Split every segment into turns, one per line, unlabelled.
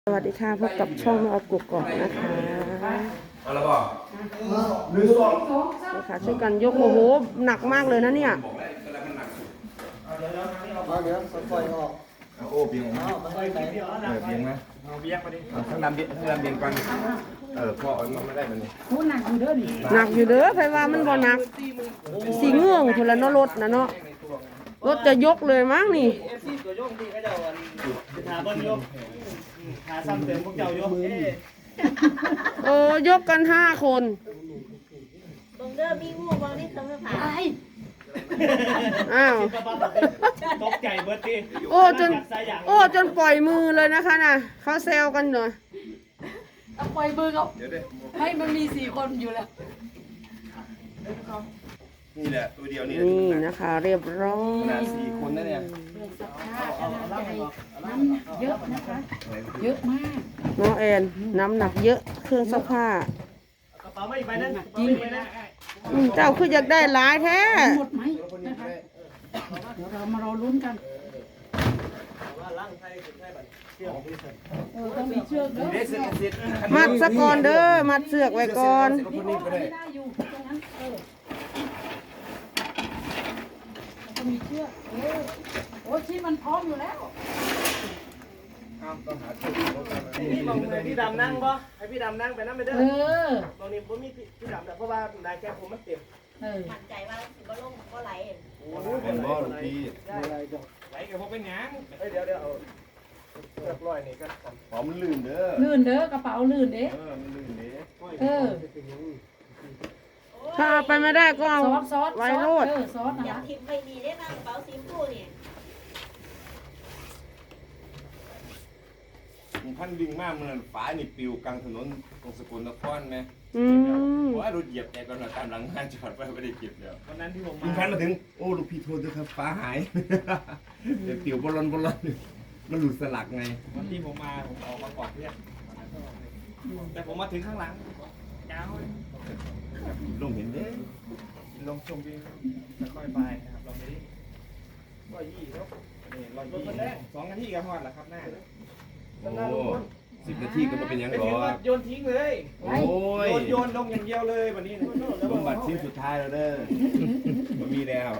สวัสดีค่ะพบกับช่องแม่ออฟกุกกอกนะคะ
เอาละบ่หนึ่งสอง
นี่ค่ะช่วยกันยกโอ้โหหนักมากเลยนะเนี่ย
บอกแล้วเวลามันหนักสุด
เดี๋ยวปล่อยออก
โอ้เบียงมาเบียงนะเบียงมาดิทั้งลำเบียงก่อนพ่อเอามาไม่ได้มันนี่
หนักอยู่เด้อใครว่ามันบ่หนักสีเงื่องคนละเนาะรถนะเนาะรถจะยกเลยมั้งนี่
FC ตัวโยงที่เขาเจ้าหาบนโยกหาซ้ำเติมพวกเจ้าโยก
ยกกัน5 คน
ตรงเด้อมีงูบางนี่เขาไม่ผ่าน
อ้าว
ตกใจเบิร์ดดิ
จนปล่อยมือเลยนะคะน่ะเขาแซวกันหน่อย
เอาปล่อยมือเขา
เดี๋ยวดิ
ให้มันมี4 คนอยู่แล้ว
นี่แหละตัวเดียวนี่
นี่นะคะ เรียบร้อย
ขนาด4 คนนะเนี่ย
เยอะนะคะ เยอะมาก
น้องแอนน้ำหนักเยอะเครื่องซักผ้าก
ระเป๋าไม่ไปนั่นจริงไปนะ
เจ้าคืออยากได้หลายแท้
หมดไหมนะคะเดี๋ยวเรามารอลุ้นกันต้องมีเชือกเด้อ
เด็กเสร็จ
มัดสะก่อนเด้อมัดเสือกไว้ก่อน
คนนี้ก็ได้
ไม่ได้อยู่ตรงนั้นต้องมีเชือกโอ้ยที่มันพร้อมอยู่แล้ว
ต้องหาชุด
พี่บอกให้พี่ดำนั่งป่ะให้พี่ดำนั่งไปนั่งไปเด้อ
เออ
ตรงนี้ผมมีพี่ดำแต่เพราะว่าได้แค่ผมมันเต็ม
มั่นใจว่าสิบ่ลงบ่ไหล
เป็นบ่ลูกพี่
ไหลกับผมเป็นยังเดี๋ยวเอาเลือกร้อยนี่ก็
หอมมันลื่นเด้อ
ลื่นเด้อกระเป๋าลื่นเด้
มันลื่นเด้
เออ
ถ้าเอาไปไม่ได้ก็เอา
ซอส
ไว้โรด
ซอสนะ
อยาก
คะ
ทิมไปดีได้นะกระเป๋าสีชมพูนี่
พันวิ่งมากมันฝานี่ปิวกลางถนนตรงสกลนครไหม
อืม
ว่ารถเหยียบแกก่อนตามหลังงานจอดไว้ไม่ได้เก็บแล้ว
วันนั้นที่ผม
ลุงพันมาถึงโอ้ลูกพี่โทษด้วยครับฟ้าหายเดี๋ยวปิวบอลมันหลุดสลักไง
วันที่ผมมาผมออกมาก่อนเพื่อนแต่ผมมาถึงข้างหลังยาว
ลงเห็นเด้
ลงชมวิวค่อยๆไปนะครับเราไม่ได้120แล้วนี่120 2 นาทีก็ฮอดแล้วครับหน้า
โอ้10 นาทีก็มาเป็นยัง
ไม่
หร
ถึง
อ
ว่าโยนทิ้งเลย
โอ้ย
โยนลงอย่างเดียวเลยวันนี้
สมบัติชิ้นสุดท้ายแล้วเด้อมันมีแล้ว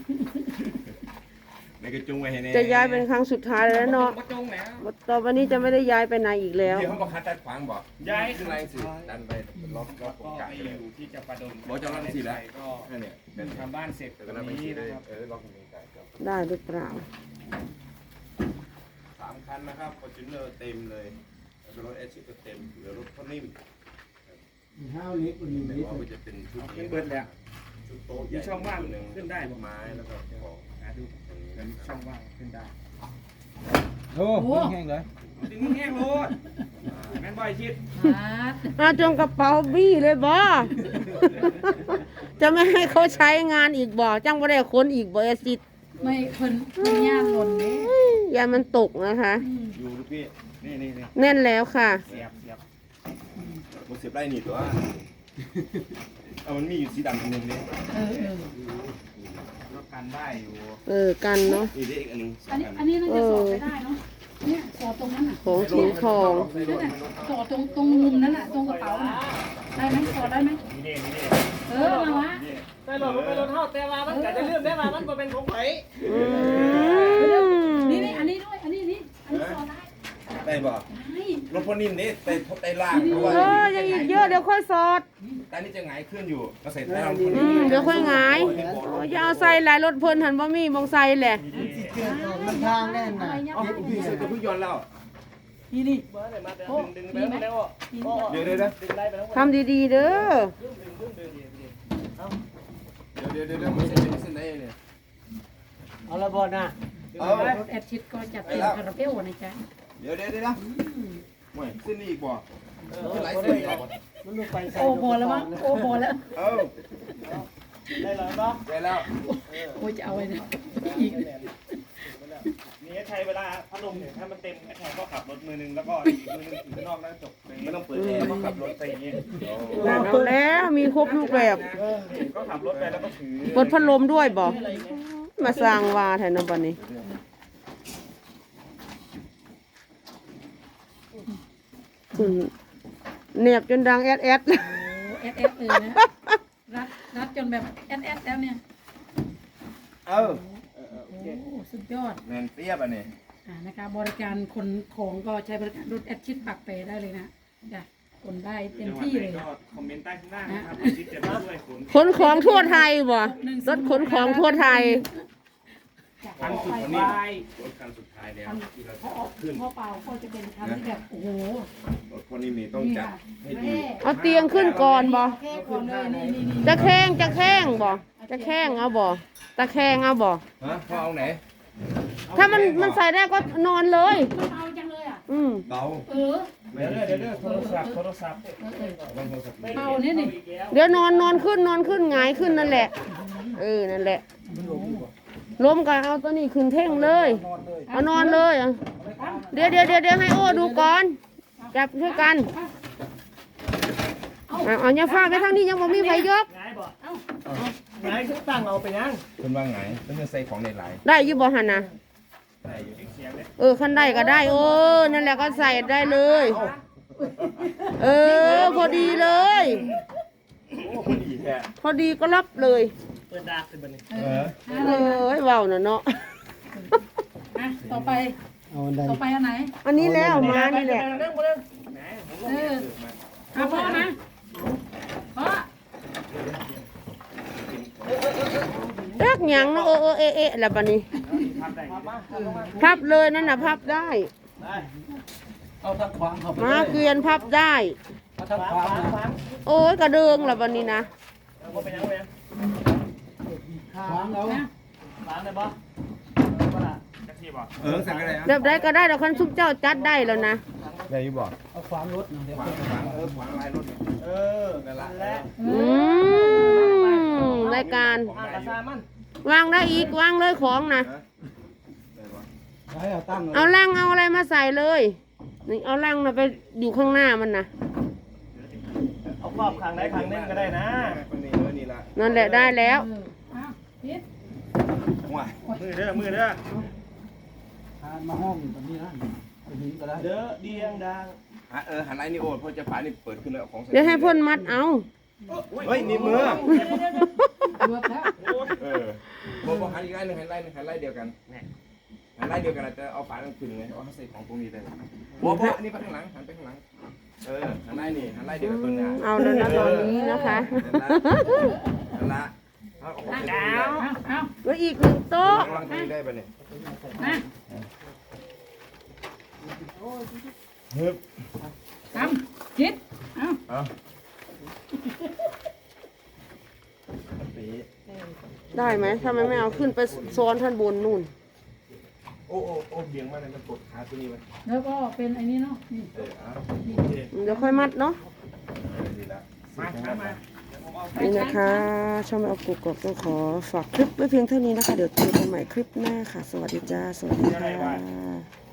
ในกระจุงไว้ให้แน่
จะย้ายเป็นครั้งสุดท้ายแล้วเนาะ
มาจงแล้ว
ต่อไปนี้จะไม่ได้ย้ายไปไหนอีกแล้ว
เดี๋ยวเขาบอกคัดตัดขวางบอก
ย้าย
ขึ้นแรงสิดันไปล็อกโครงการ
ไป
เลย
อยู่ที่จะประดม
บอกจะล็อกสิแล้ว
ก็
นั่นเนี่ยเป็น
ทำบ้านเสร็จ
แต่ก็
วั
น่านไป
นี้
สิเล
นะ
ย
ครับ
ล็อกโครงการครับ
ได้หรือเปล่า
3 คันนะครับฟอร์จูเนอร์เต็มเลยแล้วก็รถเอชก็เต็มเหลือรถเขานิ่ม
ห้าวเล็กกว่านี้
แต่ว่ามันจะเป็นชุด
ขึ้นเบิดแล้ว
ชุดโต๊ะใหญ่
มีช่องว่างขึ้นได้
ไม้แล้วก็ของ
ดูเป็นช่องว่างขึ้นได้
โอ้โห
ดึงแห้งโลดแม่นบ่อยชิด
เอาจงกระเป๋าบี้เลยบ่ จะไม่ให้เขาใช้งานอีกบ่จังบ่ได้คนอีกบ่เอซิด
ไม่เพิ่นย่างหล่นเด้
ยามันตกนะคะ
อยู่ลูกพี่นี่
แน่นแล้วค่ะ
เสียบ
มันเสียบไล่หนีตัวเอามันมีอยู่สีดำอันหนึงนี่
ก็กันได้อยู่
กันเนาะ
นี่ได้อีกอันหนึง
อันนี้น่าจะสอดไปได้เนาะเนี่ยสอดตรงนั้นน่ะ
ของสีทอง
นั่นน่ะสอดตรงมุมนั้นน่ะตรงกระเป๋าน่ะได้ไหมสอดได้ไหม
นี่
มาวะ
ได้หลดไปรถเท่าแต่ว่ามันก็จะเลื่อนได้มามันก็เป็นของไผ
อืม
นี่อันนี้ด้วยอันนี้สอดได้
ได้บ่
ได้
รถพนิ่มนี่ไปทบไตล่างเพราะว่า
ยังอีกเยอะเดี๋ยวค่อยสอด
ตอนนี้จะหงายขึ้นอยู่มาใส่ใต้รถพ
อื
นิ่ม
มเดี๋ยวค่อยหงายอย่าเอาใส่หลายรถเพิ่นหันบ่มีมองใส่แหละ
มันทางแน่นนะ
เอาพี่ใส่กับพี่ยนต์แล้ว
นี่
เบอร์ไหนมาดึงไปแล้ว
เดี๋ยวนะ
ดึงได้ไปแล้ว
ทำดีๆเด้อ
เดี๋ยวมันเส้นไหนเนี่ย
เอาละบอลนะ
เอา
รถแอดชิดก็จัดเต็มคาราเบลนะจ๊ะ
เดี๋ยวนะห่วยเส้นนี้อีกบ่ขึ้นหลายเส้นอีกบ่
มันลงไป
โอ้โหแล้วมั้งโอ้โหแล้ว
เอ้า
ได้แล้วเนาะ
ได้แล้ว
โอ้จะเอาไว้นะอีก
นี่ใช้เวลาพัดลมเนี่ยถ้ามันเต็มแข่งก็ขับรถมือนึงแล้วก็อีกมือนึงถือข้างนอกแล้วจบ
ไม่ต้องเปิดแอร์
ก็ขับรถไปอย่างนี้
เอาแล้วมีครบรูปแบบ
ก็ขับรถไปแล้วก็ถือ
เปิดพัดลมด้วยบ่มาสร้างวาแทนนบัดนี้เนียบจนดังแอดแอด
โอ้แอดแอดเลยนะรัดจนแบบแอดแอดแล้วเนี่ย
เออ
โอ้สุดยอด
แมนเปียบอ่ะนี่
นะคะบริการขนของก็ใช้บริการรถแอดชิดปักเปได้เลยนะจ้ะขนได้เต็มที่เลย
ก็คอมเมนต์ใต้ข้างล่างนะครับที่จะมาช่วยขน
ขนของทั่วไทยบ่รถขนของทั่วไทย
คันสุดท้ายรถคันสุดท้ายแล้วที่เรา
พ่อพ่อเปาก็จะเป็นคันที่แบบโอ้โห
รถคนนี้มีต้องจัดให้ดี
เอาเตียงขึ้นก่อนบ่
แค่ก่อนเลยนี่
จะแข้งจะแข้งบ่จะแข้งเอาบ่ตะแข้งเอาบ่
ฮะพ่อเอาไหน
ถ้ามันใส่ได้ก็นอนเลย
มันเอาจังเลยอ่ะ
เบา
เออ
เดี๋ยวโทรศัพท์
เปาเนี่ยนี่
เดี๋ยวนอนขึ้นหงายขึ้นนั่นแหละนั่นแหละล้มกันเอาตัวนี้ขึ้นเท่งเลยเอานอนเลยอ่ะเดี๋ยวให้โอ้ดูก่อนจับช่วยกันเอาอย่าฟาดไปทางนี้ยังบ่มีไฟยก
ไงตั้งเอาไปยัง
คุณว่าไงต้องใส่ของในหลาย
ได้อยู่บ่หันนะ
ได้อยู่
ขั้นได้ก็ได้นั่นแหละก็ใส่ได้เลย พอดีเลย
โอ้คนดีแท้
พอดีก็รับเลย
เปิดดาร์กเป็นบันนี้
เว้าน่ะเนาะ
ต่อไปอันไหน
อันนี้แล้วมานี่แหละ
เออเอาพ่อนะพ่อ
รักหยังเนาะเอะแล้วบัดนี้
พับได้
พับเลยนั่นน่ะพับได้
เอาทักขวางเขา
มาเกวียนพับได้
เอาทักขวาง
โอ้ยกระเดิงแล้วบัดนี้นะ
เอาไปยังไปยังขวางเอาขวางได้ปะจักซี่ปะ
สั่งอะไร
แบบใดก็ได้ดอกคันซุปเจ้าจัดได้แล้วนะ
ได้อยู่บ่
เอาขวางรถเดี๋ยว
ขวางขวางลายรถนั่นละ
รายการ
กระซามัน
วางได้อีกวางเลยของนะ
ให้เอาตั้ง
เอาลังเอาอะไรมาใส่เลยนี่เอาลังนะไปอยู่ข้างหน้ามันนะ
เอาครอบคางได้คางนึงก็ได้นะ
คนนี้นี่ละ
นั่นแหละได้แล้ว
พิษ
ว้า
มือเด้อมาห้องแบบนี้นะหินก็ได้เด้อเดียงดัง
หันไอ้นี่โอ้พอจะผ่านนี่เปิดขึ้นแล้วของ
เดี๋ยวให้พ่นมัดเอา
เฮ้ยนี่มือ
รวบแล้ว
บอกหันอีกไล่หนึ่งหันไล่เดียวกันหันไล่เดียวกันจะเอาฝาขึ้นไงเอาใส่ของตรงนี้ได้บอกนี่ไปข้างหลังหันไปข้างหลังหันไล่นี่หันไล่เดียวกันตัวนี้
เอาแล้วนะตอนนี้นะคะ
นั่นละเอาของใส่
เอา
แล้วอีกหนึ่งโต๊ะ
วางตรงนี้ได้ปะเนี่ย
นะ
ฮึบ
ทำคิดเอา
เอา
ได้ไหมถ้ามันไม่เอาขึ้นไปซ้อนท่านบนนู่น
โอ้เบี่ยงมาเลยมันกดขาตัวนี้มัน
แล้วก็เป็นไอ้นี้เนาะนี่
เดี๋ยวค่อยมัดเนาะ
ดีละ
มามา
นี่นะคะช่องแม่เอากุกกต้องขอฝากคลิปไว้เพียงเท่านี้นะคะ เดี๋ยวเจอกันใหม่คลิปหน้าค่ะ สวัสดีจ้า สวัสดีค่ะ